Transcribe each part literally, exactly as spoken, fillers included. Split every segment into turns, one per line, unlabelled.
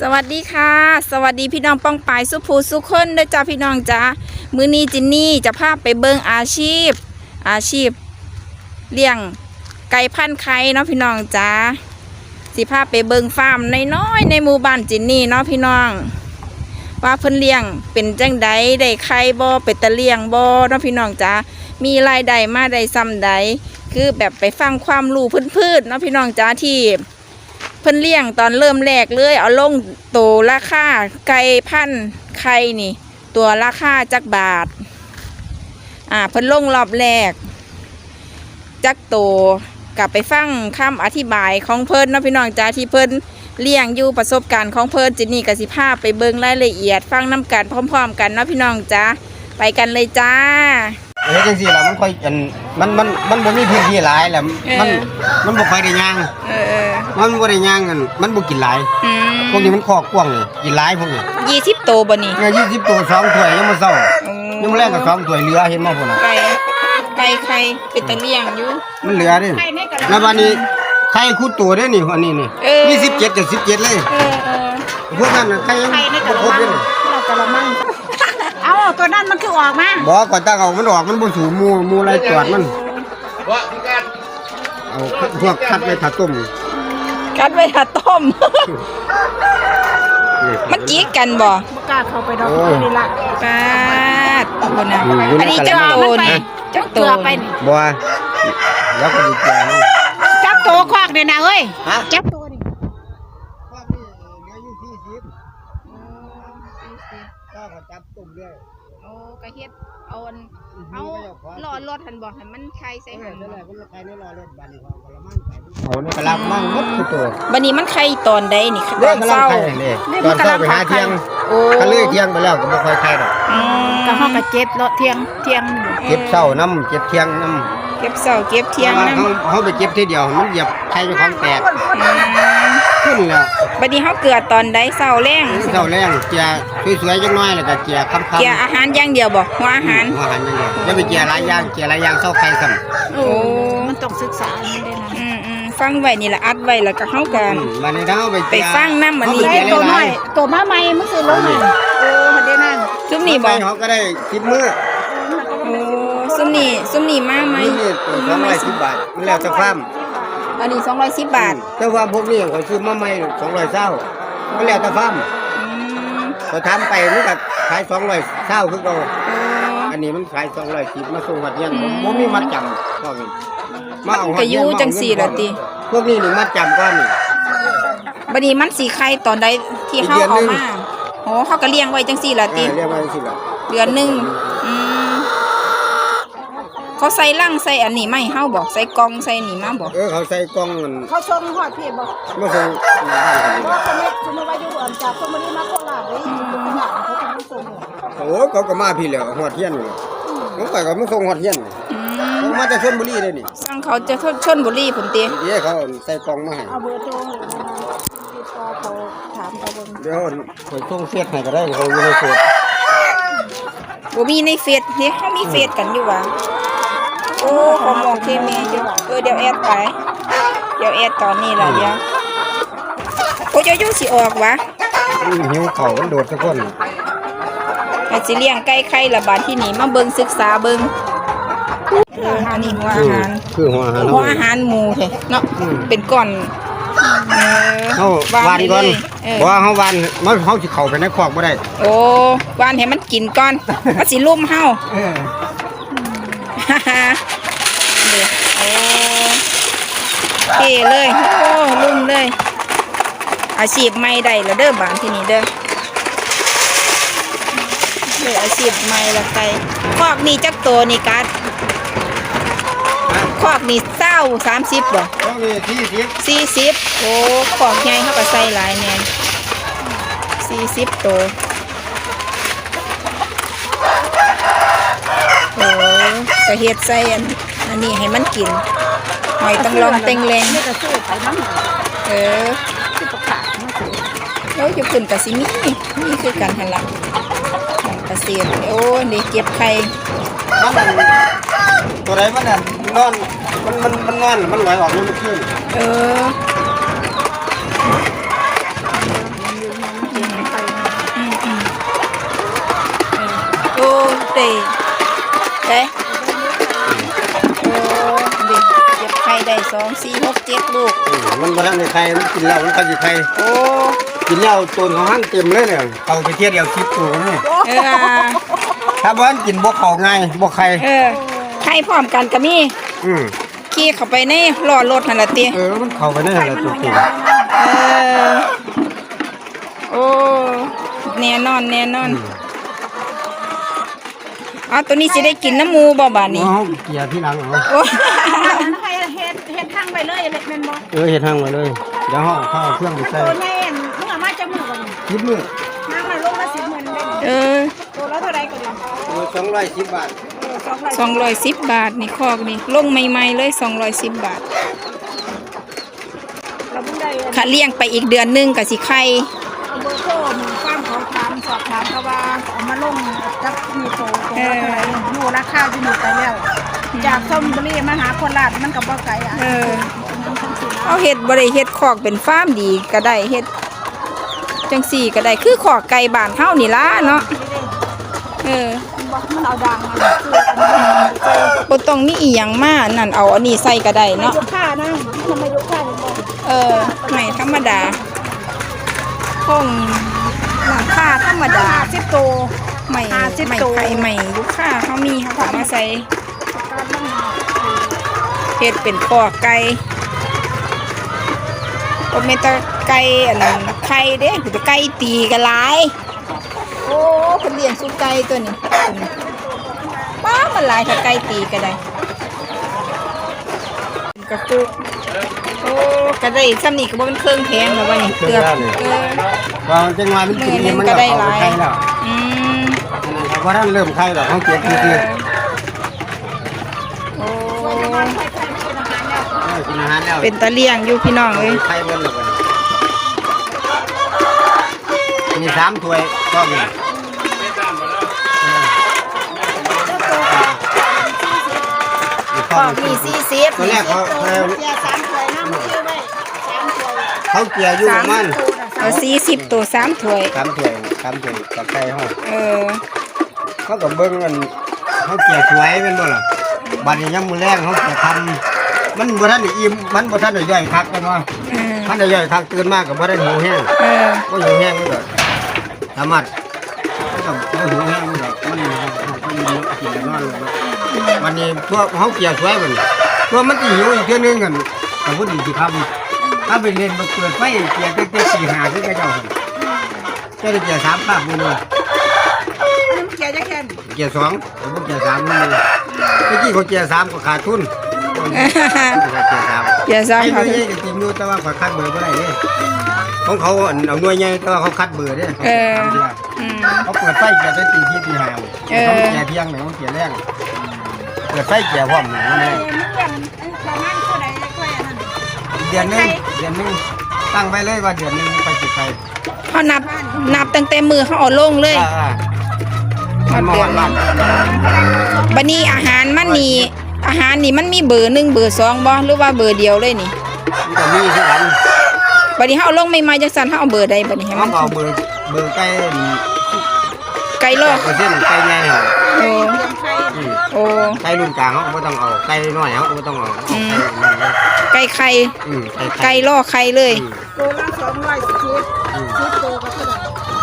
สวัสดีค่ะสวัสดีพี่น้องป้องปายสุภูสุขคนด้วยจ้าพี่น้องจ้ามื้อนี้จินนี่จะพาไปเบิ่งอาชีพ อาชีพเลี้ยงไก่พันธุ์ไข่เนาะพี่น้องจ้าสิพาไปเบิ่งฟาร์มน้อยๆในหมู่บ้านจินนี่เนาะพี่น้องว่าเพิ่นเลี้ยงเป็นจังใดได้ไข่บ่เป็นตะเลี้ยงบ่เนาะพี่น้องจ้ามีรายได้มาได้ซ้ำใดคือแบบไปฟังความรู้พื้นๆเนาะพี่น้องจ้าที่เพิ่นเลี้ยงตอนเริ่มแรกเลยเอาลงโตราคาไก่พันธุ์ไข่นี่ตัวราคาจักบาทอ่าเพิ่นลงรอบแรกจักโตกลับไปฟังคำอธิบายของเพิ่นเนาะพี่น้องจ้าที่เพิ่นเลี้ยงอยู่ประสบการณ์ของเพิ่นจินนี่กับสิภาพไปเบิ่งรายละเอียดฟังน้ำกันพร้อมๆกันเนาะพี่น้องจ้าไปกันเลยจ้า
เฮ้ยจังซี่ล่ะมันค่อยอันมันมันมันบ่มีพื้นที่หลายแหละมันมันบ่ค่อยได้ย่าง
เออๆ
มันบ่ได้ย่างกันมันบ่กินหลาย
อืม
พวกนี้มันคอกกว้างนี่กินหลายพวกนี้
ยี่สิบโตบ่นี่
เนี่ยยี่สิบตัวสองถ้วยยังบ่เซายังบ่แลงก็สองถ้วยเหลือเห็นบ่พุ่นน่ะ
ไก่ไก่ไข่เป็นตะเลี้ยงอยู่
มันเหลือเด้แล้วบัดนี้ไข่คู่ตัวเด้นี่อันนี้นี่มีสิบเจ็ดกับสิบเจ็ดเลย
เออ
ๆพวกนั้นน่ะไข่ยังบ่ครบเด้
เรากะละมังเอาตัวนั้นมันคือออกมา
บ่ก่อนตั้งเอามันออกมันบ่สูงหมู่หมู่ไรตรวจมันบ่พี่กันเอาพวกคัดไว้ถ้าต้ม
กัดไว้ถ้าต้มมันจีกกันบ่
บ่กล้าเข้าไปดอกนี่ล่ะ
ปาดบ่นะอันนี้จักโตนี่จักโต
ไป
บ่แล้วก็ดีจัง
จับโตควักนี่นะเอ้ยจับโตนี่
ควักนี่เหลืออยู่สี่สิบก็ก็จับตุ่มด้วย
โอ้ก็เฮ็ดเอาเอาหล่อรถหั่นบ่ให้มันไข่ใส่หั่น
นั่นแหละมันไข่ในหล่อรถบัดนี้พอกะละมังใส่เอานี่กะละมังหมดทุกตัว
บัดนี้มันไข่ตอนใดนี่ตอนเช้า
ตอนเช้าไปหาเที่ยงโอ้ถ้าเลิกเที่ยงไปแล้วก็บ่ค่อยไข่ดอก
อืม
ก็เฮาก็เจ็บเลาะเที่ยงเที่ยง
เก็บเช้าน้ำเก็บเที่ยงน้
ำเก็บเช้าเก็บเที่ยง
น้ำเฮาไปเก็บทีเดียวมันเหยียบไข่เจ้าของแตกขึ้นแล้ว
บัดนี้เฮาเกลือตอนใดเช้าแลง
เช้าแลงเจียสวยๆจังน้อยแล้วก็เจียค่ำๆ
เจียอาหารอย่างเดียวบ่หัวอาหาร
หัวอาหารอย่างเดียวอย่าไปเจียหลายอย่างเจียหลายอย่างเช้าไข่ซ้ำ
โอ้
มันต้องศึกษามันได้นะ
อืมๆฟังไว้นี่ล่ะอัดไว้แล้วก็เฮากัน
บัดนี้เฮาไป
ไปฟังนำบัดนี้
ตัวน้อยตัวมาใหม่มันสิลงนี่โอ้หั่นได้นั่น
ซุมนี่บ่
เฮาก็ได้สิบมื้อ
โอ้ซุมนี่ซุมนี่มาไหม
นี่ตัวสองร้อยสิบบาทมันแล้วแต่ฟาร์ม
อันนี้สองร้อยสิบบาท
แต่ว่าพวกนี้เขาซื้อมาใหม่สองร้อยเศร้ามันแล้วแต่ฟาร์มเขาทำไปมันก็ขายสองร้อยเศร้าคือเราอันนี้มันขายสองร้อยสิบมาส่งหัดเงี้ยผมมีมัดจำพวกนี้
มาเอาหัดเงี้ยจังสี่ละตี
พวกนี้นี่มัดจำก้อนนี่
บัดนี้มันสีไข่ตอนใดที่เขาเอามาโอ้เขาก็เลี้ยงไว้จังสี่ละตี
เลี้ยงไว้จังสี่ละ
เดือนหนึ่งเขาใส่ลังใส่อันนี้ไม่เฮาบอกใส่กล่องใส่นี่มาบอก
เออเขาใส่กล่องมัน
เขาส่งฮอดพี่บ่
บ่ส่ง
ว่าสมัยสมัยว่าอยู่อันจากสมัยมาโคราชเลยเป็นหยังเขาก็บ่ส่ง
โอ้เขาก็มาพี่แล้วฮอดเฮียนนี่ผมไปก็มาส่งฮอดเฮียนผมมาจากชลบุรีเลยนี่
สั่งเขาจะชลบุรีพุ่นติ
เดี๋ยวเขาใส่กล่องมาให้
เอาเบอร์โทรให้ติดต่อเขาถามเขาเบิ่ง
เดี๋ยวข่อยส่งเฟซให้ก็ได้เขาอยู่ในเฟซ
บ่มีในเฟซเฮ้เฮามีเฟซกันอยู่ว่ะโอ้ขอมองเคมีจ้ะเออเดี๋ยวแอดไปเดี๋ยวแอดตอนนี้ล่ะเดี๋ยวโอ้ยอยู่สิออกวะ
หิวเขามันโดดทุกคน
ไอ้สิเลี้ยงไก่ไข่ละบาดที่นี่มาเบิ่งศึกษาเบิ่งเอออันนี้หัวอาหาร
คือหัวอาหาร
หัวอาหารหมูแท้เนาะเป็นก้อน
เออเฮาวานก่อนบ่ว่าเฮาวานมันเฮาสิเข้าไปในคอกบ่ได้
โอ้วานให้มันกินก่อนมันสิลุ่มเฮาเออโอ้เท่เลยโอ้ลุ่มเลยอาชีพใหม่ได้แล้วเด้อบ้านที่นี่เด้อเด้ออาชีพใหม่ละไก่คอกนี่จักโตนี่กัดคอกนี่เศร้าสามสิบบ่
คอกนี่สี่สิบ
สี่สิบโอ้คอกใหญ่เขาก็ใส่หลายแน่สี่สิบโตโอ้ก็เฮ็ดใส่อันอันนี้ให้มันกินหอยต้องลองเต็งแรงเออแล้วจะขึ้นกับซิมี่นี่คือการหันหลังของเกษตรโอ้เด็กเก็บไข่
ตัวไหนมันน่ะนอนมันมันมันนอนมันลอยออกมันขึ้น
เออได้เด้โอ้ดิเก็บไข่ได้สองสี่หกเจ็ดลูก
อืมมันบ่ทันได้ไข่มันกินแล้วมันก็สิไข่
โอ้
กินแล้วต้นของหันเต็มเลยเนี่ยเอาไปเทียบเดียวสิบตัวนี่
เออ
ถ้าบ่ทันกินบ่เข้าง่ายบ่ไข่
เออไข่พร้อมกันก็มี
อืม
ขี่เข้าไปในล้อรถหั่นล่ะติ
เออมันเข้าไปได้หั่นล่ะตัวจริง
เออโอ้แน่นอนแน่นอนอ้าวตัวนี้สิได้กินน้ำหมูบ่บาดนี้
เฮาเกลียที่หลังเอา
โอ้
ให้เฮ็ดเฮ็ดทางไปเลยเล็กแม่นบ่
เออเฮ็ดทางไว้เลยเดี๋ยวเฮาเอาเข้าเครื่องไปใส่
ตัวแม่นมึงเอามาจากมือบ่นี่
คิดมื้อ
น้ำมันลงมาสิบหมื่นได้
เออ
ตัวละเท่าใดก็ดี
เออสองร้อยสิบบาท
เออสองร้อย
สองร้อยสิบบาทนี่คอกนี่ลงใหม่ๆเลยสองร้อยสิบบาท
เราเพิ่งได้
ค่ะเลี้ยงไปอีกเดือนหนึงก็สิไข่
เบอร์โทรหมู่ฟาร์มเขาถามสอบถามเขาว่าเอามาลงกับมีโตตัวละเท่าไหร่อยู่ราคาอยู่นี่ไปแล้ว จากส้มบุรีมาหาโคราชมันก็บ่ไกลอ่ะ
เออเอาเฮ็ดบ่ได้เฮ็ดคอกเป็นฟาร์มดีก็ได้เฮ็ดจังสี่ก็ได้คือขอกไก่บ้านเฮานี่ล่ะเนาะเออ
บอกมันเอาดังมาคืออันนี้
บ่ต้องมีอีหยังมานั่นเอาอันนี้ใส่ก็ได้
ไม่
เนาะ
ยกค่านะมันไม่ยกค่าเลยบอก
เออไม่ธรรมดาคงหลังคาธรรมดา
ห้าสิบตัว
ไม่
ห้าสิบ
ไม่
ตัว
ไข่ไม่ลูกค้าเฮามีเฮาก็เอามาใส่
การมันหา
เฮ็ดเป็นคอกไก่บ่แม่นแต่ไก่อันนั้นไข่เด้แต่ไก่ตีก็หลายโอ้เพิ่นเลี้ยงสุไก่ตัวนี้ตัวนี้ป้ามันหลายถ้าไก่ตีก็ได้กระปุกโอ้ก็ได้ซ้ำนี่ก็บ่เป็นเครื่องแพงแล้วว่านี่เกือบเออ
ว่าจังหวะมันกินนี่มันก็เข้าไปไข่แล้ว
อืม
เพราะท่านเริ่มไข่แล้วเขาเก็บทีที
โอ้
กินอาหารแล้ว
เป็นตะเลียงอยู่พี่น้องเอ้ย
ไข่เบิ้ลแล้วมีสามถ้วยก็มี
ขอกนี่สี่สิบ
ตัวแรกเขาเขา
เสียสามถ้วยน้ำชื่อไว้สามถ้วย
เขาเกลี่ยอยู่ประมาณ
เอาสี่สิบตัวสามถ้วย
สามถ้วยสามถ้วยกับไก่ห้อง
เออ
เขากับเบิ้งมันเขาเกลี่ยสวยเป็นบ่ล่ะบัดนี้ยังมือแรงเขาจะทำมันบ่ทันได้อิ่มมันบ่ทันได้ย่อยคักกันว่า
เออ
ทันได้ย่อยคักตื่นมากกับบ่ได้หิวแห้ง
เออ
ก็หิวแห้งนี่ก็สามารถมันก็บ่หิวแห้งนี่ก็มันมันมันกินแล้วนอนเลยวันนี้พวกเขาเกลี่ยสวยมันพวกมันสิหิวอีกเทื่อนึงกันก็บ่ดีสิครับถ้าไปเรียนมาเปิดไฟเกลี่ยตั้งแต่สี่ห้าคือเจ้าหั่นเจ้าได้เกลี่ยสามคาบมื้อนึง
น้ำเกลือจะแค่น
เกียร์สองผมเกียร์สามนี่เลยเมื่อกี้เขาเกียร์สามก็ขาดทุนเกียร์สาม
อย่าซ้ำ
ไอ้ห
เขา
น่วยใหญ่ก็จริงอยู่แต่ว่าเขาคัดเบอร์ไม่ได้เนี่ยของเขาเอาหน่วยใหญ่แต่ว่าเขาคัดเบอร์เนี่ย
เอออืม
เขาเปิดไฟเกียร์ได้ตีที่ตีห้า
เออ
เขาเกียร์เที่ยงเนี่ยเขาเกียร์แรงเปิดไฟเกียร์พร้อมเนี่ย
เอ้ยมึงยังประมาณเท่าไหร่ค่อยอันนั้น
เดือนหนึงเดือนหนึงตั้งไว้เลยว่าเดือนหนึงไปจุดไฟ
เขานับนับตั้งแต่มือเขาเอาลงเลย
อ่ามันมาวันบ้าน
บัดนี้อาหารมันนี่อาหารนี่มันมีเบอร์หนึ่งเบอร์สองบ่หรือว่าเบอร์เดียวเลยนี่
มันก็มีที่กัน
บัดนี้เขาเอาลงใหม่ๆจังซั่นเขาเอาเบอร์ใดบัดนี้ให้
เขา
มัน
เอาเบอร์เบอร์ใกล้
ไก่ลอก
เปอร์เซ็นต์ใกล้ใหญ่เหรอ
โอ้
เลี้ยงไข่
อืม
โอ้
ไก่รุ่นกลางเขาก็ไม่ต้องเอาไก่น้อยเขาก็ไม่ต้องเอาเอา
อืม
ไก่นั่นเลย
ไก่ไข่
อืมไก่
ไก่ลอกไข่เลย
อืม
ตัวละสองร้อยสิบสิบตัวก็เท่าไหร่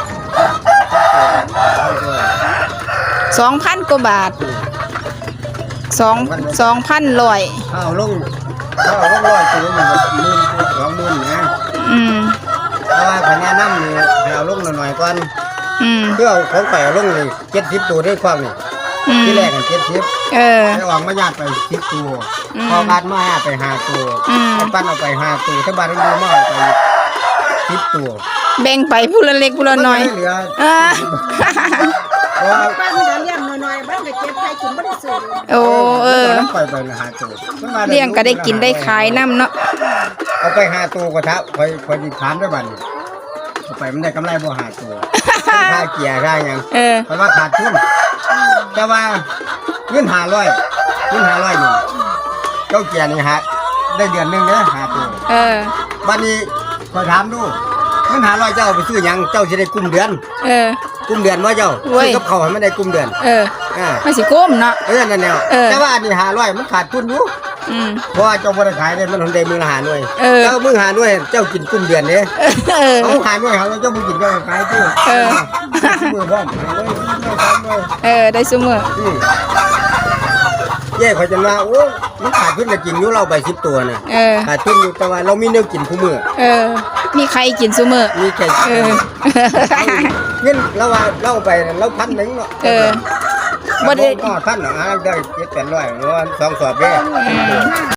สองพันกว่าบาทสองสองพันร้อย
ถ้าเอาลงถ้าเอาลงร้อยตัวมันก็หมื่นสองหมื่นนะ
อืม
เพราะว่าคะแนนน้ำนี่ให้เอาลงหน่อยๆก่อน
อืม
เพื่อเอาของไปเอาลงเลยเจ็ดสิบตัวได้ความนี่
อืม
ที่แรกกันเจ็ดสิบ
เออ
ได้ออกมาญาติไปสิบตัว
อืม
พอบ้านมาห้าไปห้าตัว
อืม
ไอ้ปั้นเอาไปห้าตัวถ้าบ้านเรามาเอาไปสิบตัว
แบ่งไปผู้ละเล็กผู้ละน้อย
มันเหลือ
เออ
เพราะว่า
บ้านมันจะเลี้ยงหน่อยๆบ้านก็เก็บไข่กินบ่ได้ซื้อเลย
โอ้เออ
น้ำปล่อยไปละห้าตัวมันมาได้
เลี้ยงก็ได้กินได้ขายน้ำเนาะ
เอาไปห้าตัวก็ทับคอยคอยดิถามได้บัดนี้เอาไปมันได้กำไรบ่ห้าตัวค่าเกียร์ได้ยัง
เออ
เพราะว่าขาดทุนแต่ว่าเงินห้าร้อยเงินห้าร้อยนี่เจ้าเกียร์นี่ฮะได้เดือนหนึงเด้อห้าตัว
เออ
บัดนี้คอยถามดูเงินห้าร้อยเจ้าเอาไปซื้อหยังเจ้าสิได้กุมเดือน
เออ
กุมเดือนว่าเจ้า
เว้ย
ซื้อกับเขาวให้มันได้กุมเดือน
เออ
เอ่า
มันสิก้มเนาะ
เออนั่นแหละ
เออ
แต่ว่าอันนี้ห้าร้อยมันขาดทุนอยู่
อืม
เพราะว่าเจ้าบ่ได้ขายได้มันคนใดมือละหาหน่วย
เออ
เจ้ามือหาหน่วยเจ้ากินกุ้มเดือนเด้
เออ
เอาหาหน่วยเขาเจ้าบ่กินเจ้าก็ขายตู้
เออ
มือพร้อมหาหน่วยสามหน่วย
เออได้ซุมื้อ
อืมเย่เขาจะมาโอ้มันขาดทุนก็จริงอยู่เราไปสิบตัวน่ะ
เออ
ขาดทุนอยู่แต่ว่าเรามีแนวกินคู่มือ
เออ มีใครกินซุมื้อ
มีแค่
เออ
เงินเราว่าเราไปเราพันหนึงเนาะ
เออบ่
บ่
ได้
ได้ก็พันหรอกอ่ะได้เจ็ดแปดร้อยหรือว่าสองสอบเด้